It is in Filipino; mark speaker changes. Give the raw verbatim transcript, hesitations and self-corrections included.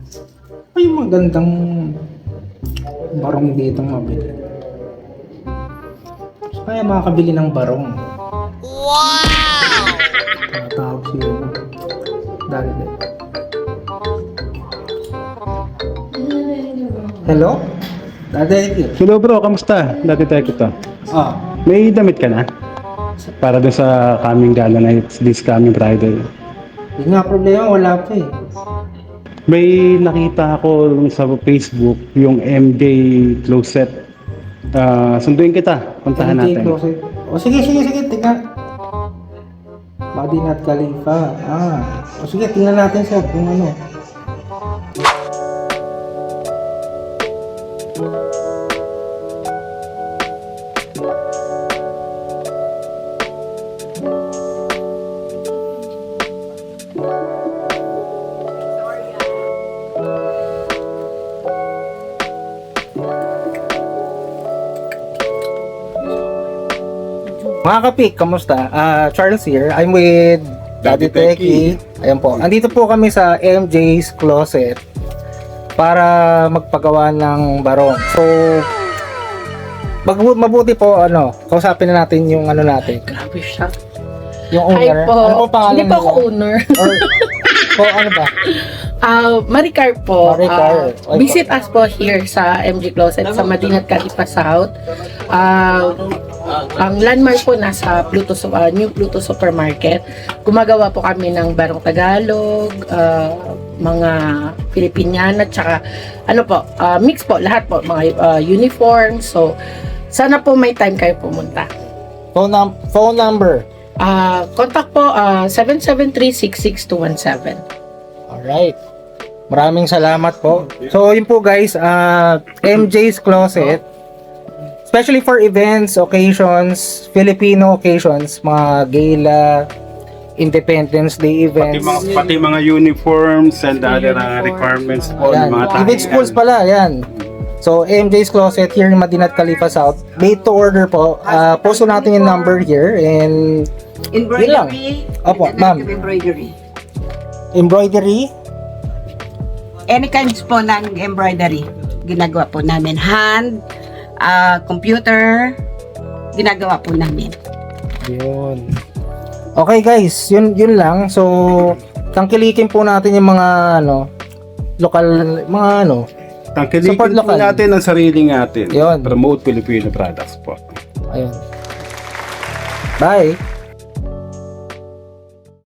Speaker 1: Ay, magandang barong dito mabili. So, kaya makakabili ng barong. Wow! Tatawag siya. Dali, dali. Hello? Dali,
Speaker 2: Hello bro, kamusta? Dati tayo ko to.
Speaker 1: ah,
Speaker 2: May damit ka na? Para dun sa coming gala night, this coming Friday.
Speaker 1: yun nga problema, wala pa eh.
Speaker 2: May nakita ako sa Facebook, yung M J Closet. Ah, sunduin kita, puntahan
Speaker 1: M J
Speaker 2: natin.
Speaker 1: Closet. O sige, sige, sige, tingnan. Madinat Khalifa. Ah. O sige, tingnan natin sir kung ano. Mga kapik, kamusta? Ah, Charles here. I'm with Daddy
Speaker 3: Daddy
Speaker 1: Teki. Ayan po. Andito po kami sa M J's Closet para magpagawa ng barong. So, mag- mabuti po, ano, kausapin na natin yung ano natin.
Speaker 4: Grabe siya.
Speaker 1: Yung
Speaker 4: Hi
Speaker 1: owner.
Speaker 4: po.
Speaker 1: Ano po pangalan
Speaker 4: Hindi po ako
Speaker 1: nila?
Speaker 4: owner.
Speaker 1: Or, po, ano ba?
Speaker 4: Ah, Maricar po.
Speaker 1: Maricar.
Speaker 4: Ah, visit us po here sa M G Closet sa Madinat Khalifa South. Ah, ang landmark po nasa Pluto, uh, New Pluto Supermarket. Gumagawa po kami ng barong Tagalog, ah, mga Filipiniana, tsaka ano po, ah, mix po, lahat po, mga ah, uniform. So, sana po may time kayo pumunta.
Speaker 1: Phone, num- phone number.
Speaker 4: Ah, contact po ah, seven seven three, six six two one seven.
Speaker 1: Alright. Maraming salamat po. So, yun po guys, uh, M J's Closet, especially for events, occasions, Filipino occasions, mga gala, Independence Day
Speaker 3: Pati
Speaker 1: events.
Speaker 3: mga, pati mga uniforms and other uh, requirements po
Speaker 1: Ayan.
Speaker 3: ng mga
Speaker 1: Even schools pala, yan. So, M J's Closet here in Madinat Khalifa South. Made to order po. Uh, post ko natin yung number here and yun lang.
Speaker 5: Embroidery.
Speaker 1: Opo, ma'am.
Speaker 5: Embroidery.
Speaker 1: Embroidery.
Speaker 5: Any kinds po ng embroidery. Ginagawa po namin. Hand, ah, computer, ginagawa po namin.
Speaker 1: Yun. Okay guys, yun yun lang. So, tangkilikin po natin yung mga ano, lokal, mga ano.
Speaker 3: Tangkilikin
Speaker 1: Support
Speaker 3: po
Speaker 1: local.
Speaker 3: natin ang sarili natin.
Speaker 1: Yun.
Speaker 3: Promote Filipino products po.
Speaker 1: Ayun. Bye.